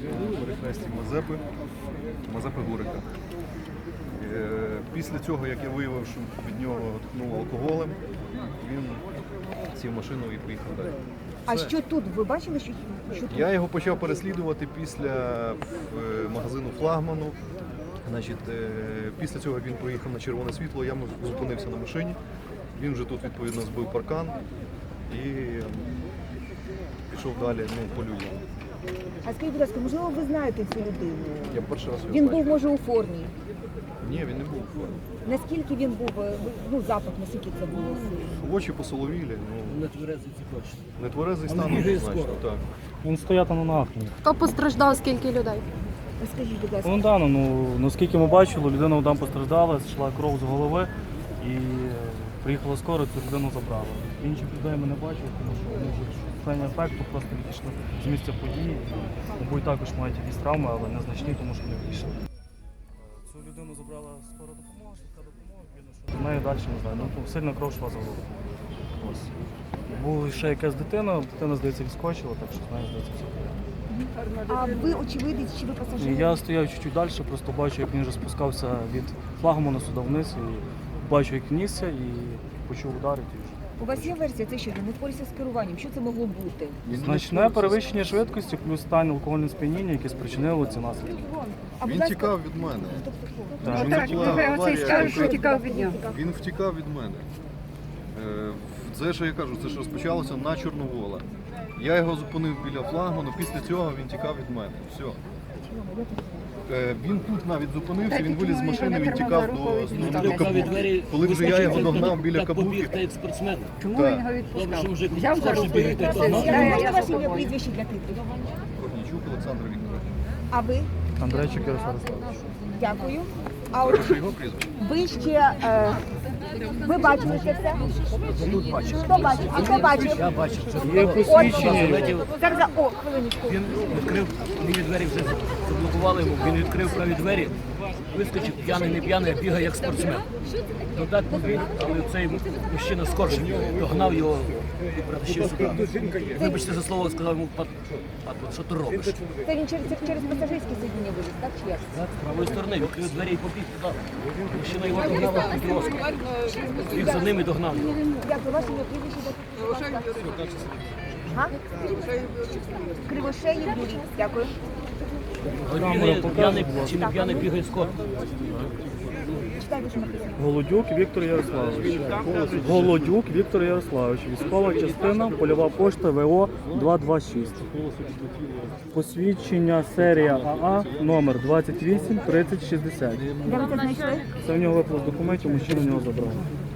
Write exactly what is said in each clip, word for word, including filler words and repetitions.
перехресті Мазепи, Мазепи Гурика. Після цього, як я виявив, що від нього ткнуло алкоголем, він сів в машину і поїхав далі. А що тут? Ви бачили, що, що тут? Я його почав переслідувати після магазину «Флагману». Значить, після цього, як він проїхав на червоне світло, я зупинився на машині. Він вже тут, відповідно, збив паркан і пішов далі, ну, по людям. А скажіть, будь ласка, можливо, ви знаєте цю людину? Я перший раз його Він бачив. був, може, у формі? Ні, він не був у формі. Наскільки він був, ну, запах, наскільки це було? Очі посоловілі, ну, Не тверезий ці точно. нетверезий стан, однозначно, так. Він стояв на ногах. Хто постраждав, скільки людей? Скажіть, будь ласка. Ну да, ну наскільки ми бачили, людина там постраждала, йшла кров з голови і приїхала скоро, цю людину забрала. Інших людей ми не бачили, тому що вони вже в стані ефекту просто відійшли з місця події. Мабуть, також мають якісь травми, але незначні, тому що не вийшли. Цю людину забрала скора допомога, швидка допомога, видно, що з нею далі не знаю. Ну, сильно кров йшла з голови. Ось. Була ще якась дитина, дитина, здається, відскочила, так що з нею, здається, все. А ви очевидець, чи ви пасажир? Я стояв чуть-чуть далі, просто бачу, як він вже спускався від флагману сюди вниз, і бачу, як нісся, і почув ударити. і вже. У вас є версія, це що, не впорався з керуванням? Що це могло бути? Значне перевищення швидкості, плюс стан алкогольного сп'яніння, яке спричинило ці наслідки. А, будь Він ласка, тікав від мене. Так, Так, він- була Оцей скаже, що тікав від нього. Він втікав від мене. Е, Це, що я кажу, це ж розпочалося на Чорновола. Я його зупинив біля флагману, після цього він тікав від мене. Все. Е, Він тут навіть зупинився, він виліз з машини, він тікав до, до, до Кабуки. Коли вже я його догнав біля Так побіг, Кабуки, та як спортсмен. Чому Так. він його Добре, відпускав? що вже Взяв за руку і бігти, то відпустив. знав. Я- я можна за ваше ім'я, собою. прізвище для титрів? Корнійчук Олександр Вікторович. А ви? Андрейчик Ярослав Ярославович. Дякую. А от Прошу його прізвище. ви ще, е, ви бачили це все? Хто бачив? А хто бачив? Я бачив, що Є посвідчення. Зараз, за- о, хвилиночку. він відкрив, мені двері вже заблокували йому, він відкрив праві двері, вискочив, п'яний, не п'яний, а бігає як спортсмен. Ну так побіг, але цей мужчина скорше догнав його і притащив сюди. Вибачте за слово, сказав йому, «Пат, пат, що ти робиш?» Це він через, через пасажирське сидіння виліз, так чи як? З правої сторони відкрив двері і побіг туди. Мужчина його догнав під кіоску. Біг за ним і догнав його. Дякую, ваше ім'я, прізвище для титрів. Га? Кривошеєв Юрій. Дякую. Бігає, п'яний чи не п'яний, бігає скоро. Читайте, що написано. Голодюк Віктор Ярославович. Голодюк Віктор Ярославович. Військова частина, польова пошта ВО два два шість. Посвідчення серія АА номер двадцять вісім тридцять шістдесят. Де ви це знайшли? Це в нього випало з документів, мужчина в нього забрав.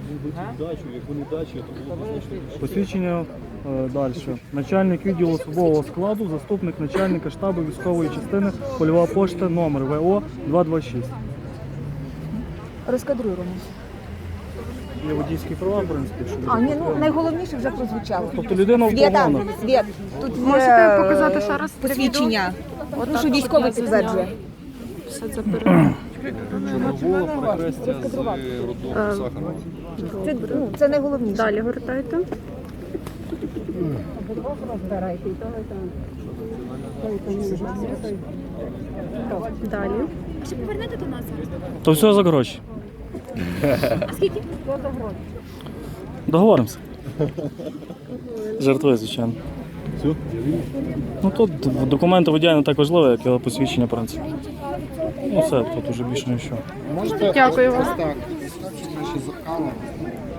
Посвідчення е, далі. Начальник відділу особового складу, заступник начальника штабу військової частини, польова пошта номер ВО два два шість. Розкадруємо. Є водійські права, в принципі, що А, ні, ну найголовніше вже прозвучало. Тобто людина в Світа, погонах. Світ, тут є Можете показати ще раз це посвідчення. Ну, що військовий підтверджує. Все це пере... Чорновола, перехрестя з роддому Сахарова. Це, ну, це найголовніше. Далі гортайте. Далі. Ще повернете до нас? То все за гроші. А скільки? Договоримося. Жартую, звичайно. Ну тут документи водія не так важливі, як його посвідчення, в принципі. Ну все, тут уже більше нічого. Дякую вам.